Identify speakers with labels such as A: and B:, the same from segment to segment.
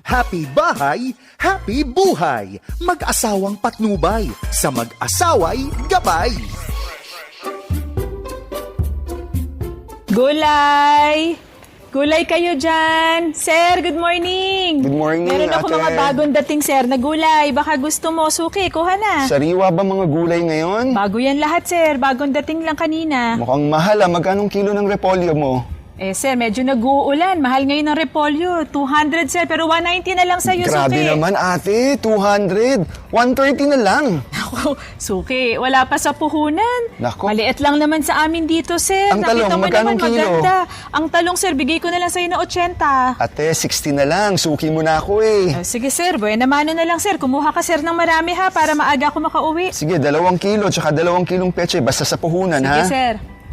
A: Happy bahay, happy buhay. Mag-asawang patnubay, sa mag-asaway gabay.
B: Gulay! Gulay kayo dyan! Sir, good morning!
C: Good morning,
B: Meron ako
C: ate.
B: mga bagong dating, sir, na gulay. Baka gusto mo, suki, kuha na.
C: Sariwa ba mga gulay ngayon?
B: Bago yan lahat, sir. Bagong dating lang kanina.
C: Mukhang mahal ah. Magkanong kilo ng repolyo mo?
B: Eh, sir, medyo nag-uulan. Mahal ngayon ng repolyo. 200, sir. Pero 190 na lang sa'yo,
C: Grabe
B: suki.
C: naman ate, 200. 130 na lang.
B: Ako, suki, wala pa sa puhunan.
C: Nako.
B: Maliit lang naman sa amin dito, sir.
C: Ang talong,
B: Nakita mo
C: magkano
B: naman,
C: kilo?
B: maganda. Ang talong, sir, bigay ko na lang sa'yo na 80.
C: Ate, 60 na lang. Suki mo na ako eh.
B: Sige, sir. Buena mano na lang, sir. Kumuha ka, sir, ng marami, ha, para maaga ako makauwi.
C: Sige, 2 kilo tsaka 2 kilong peche. Basta sa puhunan
B: Sige,
C: ha.
B: sir.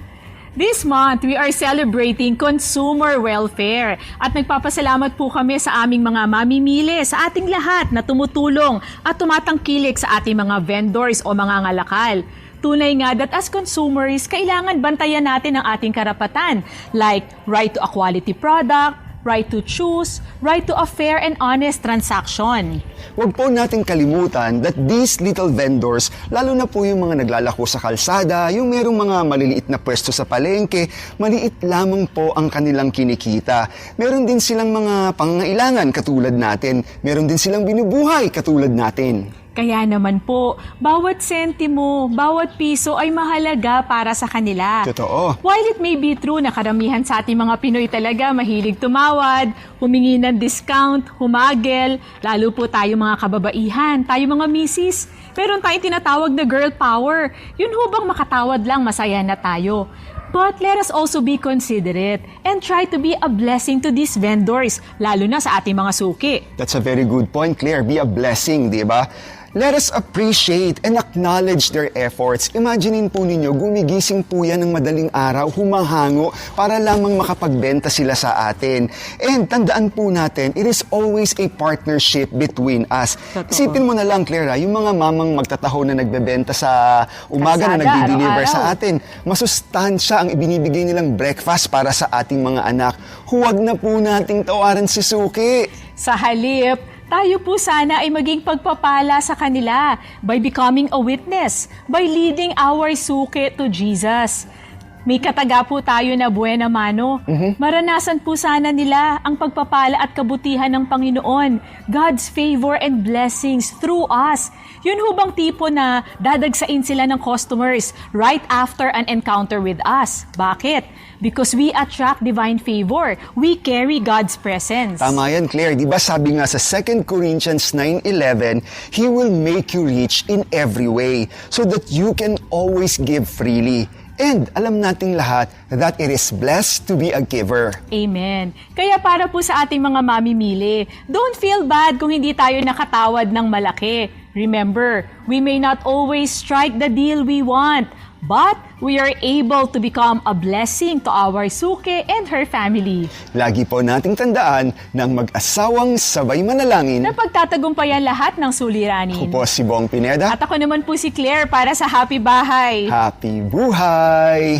B: This month, we are celebrating consumer welfare at nagpapasalamat po kami sa aming mga mamimili, sa ating lahat na tumutulong at tumatangkilik sa ating mga vendors o mga ngalakal. Tunay nga that as consumers, kailangan bantayan natin ang ating karapatan like right to a quality product, right to choose, right to a fair and honest transaction.
C: Huwag po nating kalimutan that these little vendors, lalo na po yung mga naglalako sa kalsada, yung merong mga maliliit na pwesto sa palengke, maliit lamang po ang kanilang kinikita. Meron din silang mga pangangailangan katulad natin. Meron din silang binubuhay katulad natin.
B: Kaya naman po, bawat sentimo, bawat piso ay mahalaga para sa kanila.
C: Totoo.
B: While it may be true na karamihan sa ating mga Pinoy talaga mahilig tumawad, humingi ng discount, humagel, lalo po tayo mga kababaihan, tayo mga misis, meron tayong tinatawag na girl power. Yun ho bang makatawad lang masaya na tayo? But let us also be considerate and try to be a blessing to these vendors, lalo na sa ating mga suki.
C: That's a very good point, Claire. Be a blessing, di ba? Let us appreciate and acknowledge their efforts. Imaginein po ninyo, gumigising po yan ng madaling araw, humahango, para lamang makapagbenta sila sa atin. And tandaan po natin, it is always a partnership between us.
B: Totoo.
C: Isipin mo na lang, Claire, yung mga mamang magtataho na nagbebenta sa umaga na
B: Kalsada,
C: nagdi-deliver
B: araw-araw.
C: sa atin. Masustansya ang ibinibigay nilang breakfast para sa ating mga anak. Huwag na po nating tawaran si Suki.
B: Sa halip, tayo po sana ay maging pagpapala sa kanila by becoming a witness, by leading our suki to Jesus. May kataga po tayo na buena mano. Maranasan po sana nila ang pagpapala at kabutihan ng Panginoon, God's favor and blessings through us. Yun ho bang tipo na dadagsain sila ng customers right after an encounter with us? Bakit? Because we attract divine favor. We carry God's presence.
C: Tama yan, Claire. Di ba sabi nga sa 2 Corinthians 9:11, He will make you rich in every way so that you can always give freely. And alam nating lahat that it is blessed to be a giver.
B: Amen. Kaya para po sa ating mga mamimili, don't feel bad kung hindi tayo nakatawad ng malaki. Remember, we may not always strike the deal we want, but we are able to become a blessing to our suki and her family.
C: Lagi po nating tandaan ng mag-asawang sabay manalangin.
B: Na pagtatagumpayan lahat ng
C: Ako
B: suliranin.
C: po si Bong Pineda.
B: At ako naman po si Claire para sa Happy Bahay.
C: Happy buhay!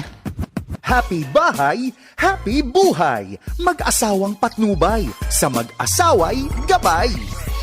A: Happy bahay, happy buhay. Mag-asawang patnubay, sa mag-asaway gabay.